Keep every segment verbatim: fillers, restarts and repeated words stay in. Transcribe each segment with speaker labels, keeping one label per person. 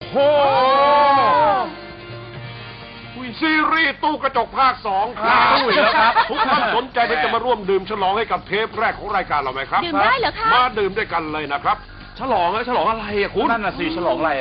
Speaker 1: โหซีรีส์ตู้กระจกภาคสองครับตู้อีกแล้วครับทุกท่านสนใจที่จะมาร่วมดื่มฉลองให้กับเทปแรกของรายการเราไหมครับ
Speaker 2: ดื่มได้เหรอคะ
Speaker 1: มาดื่มด้วยกันเลยนะครับฉลองอะฉลองอะไรอะคุณ
Speaker 3: นั่นน่ะสิฉลองอะไร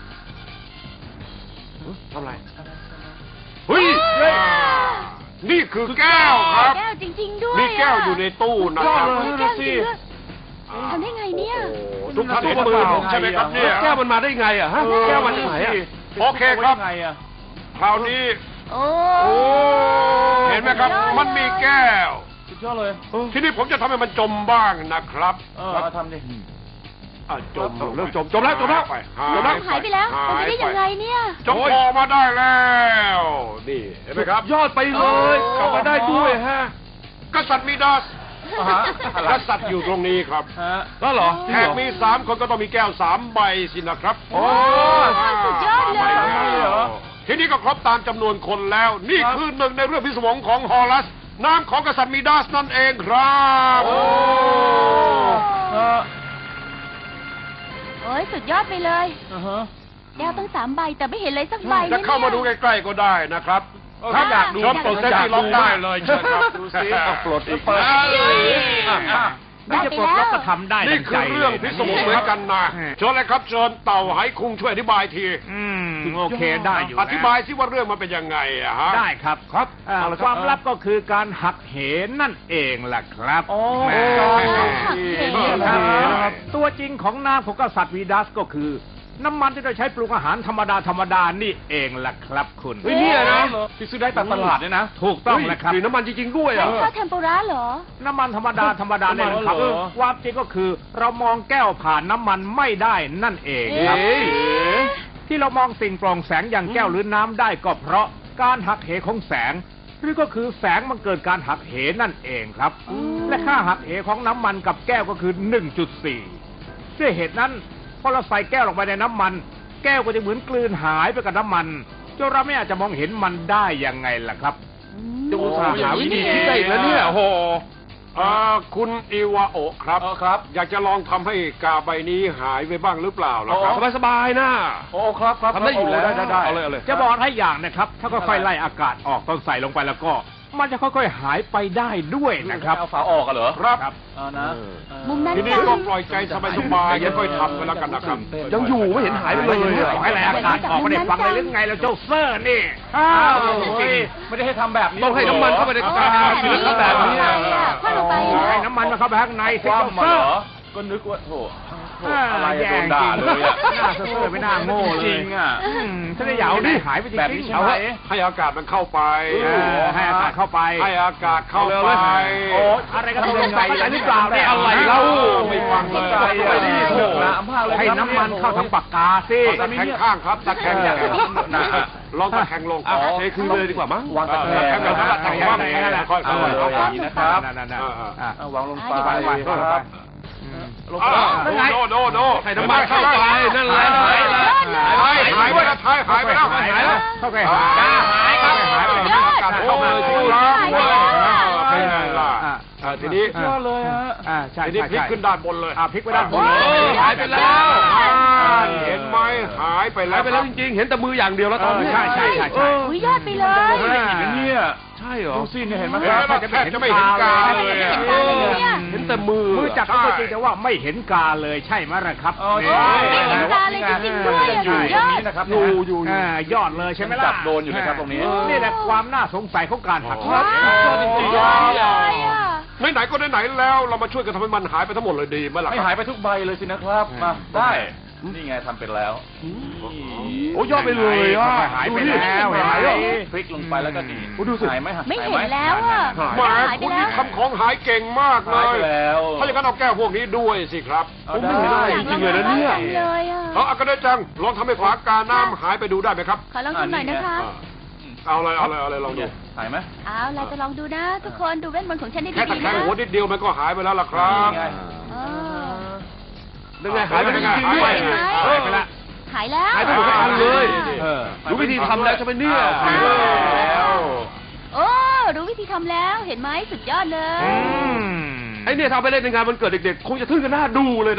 Speaker 1: ทำอะไรเฮ้ยนี่คือแก้วครับ
Speaker 2: แก้วจริงๆด้วย
Speaker 1: นี่แก้วอยู่ในตู้นะครับ
Speaker 2: แก้วจริงด้วยทำได้ไงเนี่ย
Speaker 1: ทุกท่านเห็นมือผมใช่ไหมครับเนี่ยแก้วมันมาได้ไงอะฮะแก้วมันที่ไหนอะโอเคครับคราวนี้
Speaker 2: โอ้
Speaker 1: เห็นไหมครับมันมีแก้ว
Speaker 3: สุดยอดเลย
Speaker 1: ทีนี้ผมจะทำให้มันจมบ้างนะครับ
Speaker 3: เออทำดิ
Speaker 1: จมเริ่มจมจมแล้วจมแล้ว
Speaker 2: จมแล้วหายไปแล้วมันจะได้ยังไงเนี่ย
Speaker 1: จมออกมาได้แล้วนี่เห็นไหมครับ
Speaker 3: ยอดไปเลยกลับมาได้ด้วยฮะ
Speaker 1: กษัตริย์มิดาสกษัตริย์อยู่ตรงนี้ครับ
Speaker 3: แล้วเหรอ
Speaker 1: แขกมีสามคนก็ต้องมีแก้วสามใบสินะครับ
Speaker 3: โอ้
Speaker 2: สุดยอดเลย
Speaker 1: ทีนี้ก็ครบตามจำนวนคนแล้วนี่คือหนึ่งในเรื่องพิศวงของฮอลัสน้ำของกษัตริย์มิดาสนั่นเองครับ
Speaker 2: โอ้ยสุดยอดไปเลยแก้วตั้งสามใบแต่ไม่เห็นเลยสักใบ
Speaker 1: จะเข้ามาดูใกล้ๆก็ได้นะครับถ้าอยากดูชมปลดเซ็ตที่ล็อกได้เลยเชิญครับดูสิ
Speaker 3: ปลดอีกเปิด
Speaker 2: นี่จะปลดล็อกก็
Speaker 3: ทำได้
Speaker 1: นี่คือเรื่องพิศวงเหมือนกันนะเชิญเลยครับเชิญเต่าไหคุงช่วยอธิบายที
Speaker 3: อืมโอเคได้อยู่
Speaker 1: อธิบายสิว่าเรื่องมันเป็นยังไงอะฮะ
Speaker 3: ได้ครับครับความลับก็คือการหักเหนั่นเองแหละครับโอ้ครับตัวจริงของน้ำของกษัตริย์วีดัสก็คือน้ำมันที่เราใช้ปรุงอาหารธรรมดาธรรมดานี่เองแหละครับคุณ
Speaker 1: นี่นะ
Speaker 3: ที่ซื้อได้ตามตลาดเนี่ยนะถูกต้องแหละครับ
Speaker 1: น้ำมันจริงๆด้วยอ่ะ
Speaker 2: ข้าวเทมปุระเหรอ
Speaker 3: น้ำมันธรรมดาธรรมดาเนี่ยครับความจริงก็คือเรามองแก้วผ่านน้ำมันไม่ได้นั่นเองครับที่เรามองสิ่งโปร่งแสงอย่างแก้วหรือน้ำได้ก็เพราะการหักเหของแสงหรือก็คือแสงมันเกิดการหักเหนั่นเองครับและค่าหักเหของน้ำมันกับแก้วก็คือ หนึ่งจุดสี่ ด้วยเหตุนั้นพอเราใส่แก้วลงไปในน้ำมันแก้วก็จะเหมือนกลืนหายไปกับน้ำมันจนเราไม่อาจจะมองเห็นมันได้ยังไงล่ะครับ
Speaker 1: จะอุตส่าห์หาวิธีคิดได้อีกแล้วเนี่ยโอ้โหคุณอิวาโอะครับครับอยากจะลองทำให้กาใบนี้หายไปบ้างหรือเปล่าล่ะครับสบายๆนะ
Speaker 3: โอ้ครับครับ
Speaker 1: ทำได้อยู่แล้ว
Speaker 3: ได้ได้จะบอกให้อย่างนะครับถ้าค่อยๆไล่อากาศออกตอนใส่ลงไปแล้วก็มันจะค่อยๆหายไปได้ด้วยนะครับ
Speaker 1: เอาฝาออกกันเหรอครับ
Speaker 3: นะ
Speaker 2: มุมนั้น
Speaker 1: ทีนี้ก็ปล่อยใจสบายๆค่อยๆทำไปแล้วกันนะครับ
Speaker 3: ยังอยู่ไม่เห็นหายไปเลยให้ไล่อากาศออกไม่ได้ฟังเลยหรือไงเราเจ้าเซอร์นี่อ้าวไม่ได้ให้ทำแบบนี้
Speaker 1: ต้องให้น้ำมันเข้าไปในกาศิลปะแบบนี้
Speaker 3: ให้น้ำมันมาเข้าไปข้างในสิเจ้าเซอร์
Speaker 1: ก็นึกว่าโถ
Speaker 3: อะไรโดนด่าเลยอ่ะหน้าเซ่อไม่น่าโง่เลยจริงอ่ะถ้าได้ยาวดิหายไปจริงแบบนี้ใช่ไหม
Speaker 1: ให้อากาศมันเข้าไป
Speaker 3: ให้อากาศเข้าไป
Speaker 1: ให้อากาศเข้าไป
Speaker 3: โอ้อะไรก็ต้องใส่อะไรหรือเปล่าเนี่ยอะไรเล่า
Speaker 1: ไม่ฟังเลย
Speaker 3: ให้น้ำมันเข้าทางปากกาสิ
Speaker 1: ตะแคงข้างครับตะแคงอย่างลองตะแคงลงเทคือเลยดีกว่ามั้ง
Speaker 3: วางตะแคงแบบนั้นตะแคงแบบนั้นค่อยๆอย่างนี้นะครับวางลงไปครับ
Speaker 1: โน่โน่โน่ให้น้ำมันเข้าไปนั่นแหละหายแล้วหายหายไปแล้วหายหายไปแล้วหายแล้ว
Speaker 3: เข้าไปหายหายครับหายไป
Speaker 1: อากาศเข้ามาที่ร้านเป็นไงล่ะทีนี้
Speaker 3: ยอดเลยฮะอ่าใช่
Speaker 1: ทีนี้พลิกขึ้นด้านบนเลย
Speaker 3: อ่าพลิกไปด้านบน
Speaker 1: หายไปแล้วเห็นไหมหายไปแล้วไปแล้วจริงๆเห็นแต่มืออย่างเดียวแล้วตอนนี้
Speaker 3: ใช่ใช่ใช่ใช่
Speaker 2: อุ้ยยอดไปเลย
Speaker 3: เนี่ยใช่เหรอดูสิเนี่ยเห็นไหม
Speaker 1: ครับแทบจะไม่เห็นกาเลยเห็นแต่มือ
Speaker 3: มือจับก็จริงแต่ว่าไม่เห็นกาเลยใช่ไหมล่ะครับ
Speaker 2: ไม่เห็นกาเลยจริงๆด้วยยอด
Speaker 3: นะครับอยู่อยู่ยอดเลยใช่ไหมล่ะ
Speaker 1: จับโดนอยู่นะครับตรงนี้
Speaker 3: นี่แหละความน่าสงสัยของการหักเห
Speaker 2: จริงๆเลย
Speaker 1: ไหนๆก็ไหนๆแล้วเรามาช่วยกันทำให้มันหายไปทั้งหมดเลยดีไหมล่ะ
Speaker 3: ไม่หายไปทุกใบเลยสินะครับมาได้นี่ไงทำเป็นแล้วโอ้ยอดไปเลยอ่ะหายไปแล้วหายแล้วพลิกลงไปแล้วก็ดี
Speaker 1: ดูสิ
Speaker 3: หายไหม
Speaker 2: ไม่เห็นแล้วอ่ะ
Speaker 1: หมาคุณนี่ทำของหายเก่งมากเลยถ้าอย่างนั้นเอาแก้วพวกนี้ด้วยสิครับ
Speaker 3: ผมไม่เห็นอะไรจริงๆเลยนะเนี่ย
Speaker 1: เอาอากาศจังลองทำให้ฝากาน้ำหายไปดูได้ไหมครับ
Speaker 2: ขอลองดูหน่อยนะคะ
Speaker 1: เอาเลยเอาเลยเอาเลยลองดู
Speaker 3: หายไหม
Speaker 2: เอาเราจะลองดูนะทุกคนดูเวทมนต์ของฉันได้ดีนะ
Speaker 1: แค่ตะแคงหัวนิดเดียวมันก็หายไปแล้วล่ะครับยังไงหายไปจริงๆด้วย
Speaker 2: หายไปแล้วหายแล้ว
Speaker 1: หายไปหมดทั้งเลยรู้วิธีทำแล้วใช่ไหมเนี่ย
Speaker 2: โอ้รู้วิธีทำแล้วเห็นไหมสุดยอดเลย
Speaker 1: ไอเนี่ยทำไปเล่นในงานมันเกิดเด็กๆคงจะทึ่งกันหน้าดูเลย